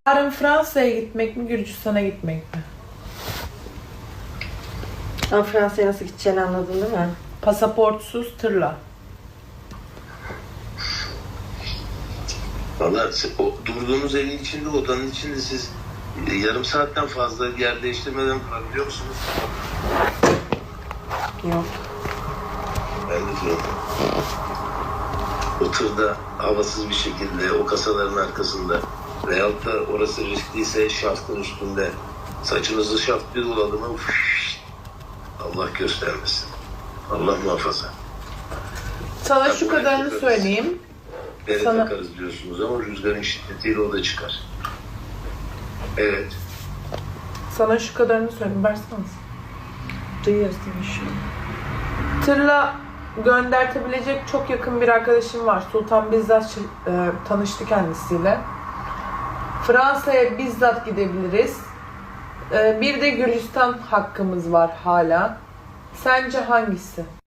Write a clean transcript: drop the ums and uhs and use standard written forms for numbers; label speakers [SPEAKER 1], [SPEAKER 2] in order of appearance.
[SPEAKER 1] Yarın Fransa'ya gitmek mi, Gürcistan'a gitmek mi?
[SPEAKER 2] Ama Fransa'ya nasıl gideceğini anladın değil mi?
[SPEAKER 1] Pasaportsuz tırla.
[SPEAKER 3] Valla o durduğunuz evin içinde, odanın içinde siz yarım saatten fazla yer değiştirmeden kalabiliyor musunuz?
[SPEAKER 2] Yok.
[SPEAKER 3] Ben de diyorum. O tırda havasız bir şekilde o kasaların arkasında veyahut da orası riskliyse şaftın üstünde saçınızı şaft bir doladı mı Allah göstermesin. Allah muhafaza.
[SPEAKER 1] Sana
[SPEAKER 3] Tabii
[SPEAKER 1] şu kadarını
[SPEAKER 3] takarız.
[SPEAKER 1] söyleyeyim.
[SPEAKER 3] Bere
[SPEAKER 1] Sana-
[SPEAKER 3] takarız diyorsunuz ama rüzgarın şiddetiyle o da çıkar. Evet.
[SPEAKER 1] Sana şu kadarını söyleyeyim. Versene.
[SPEAKER 2] Duyuyoruz değil mi şu an?
[SPEAKER 1] Tırla göndertebilecek çok yakın bir arkadaşım var. Sultan bizzat tanıştı kendisiyle. Fransa'ya bizzat gidebiliriz. Bir de Gürcistan hakkımız var hala. Sence hangisi?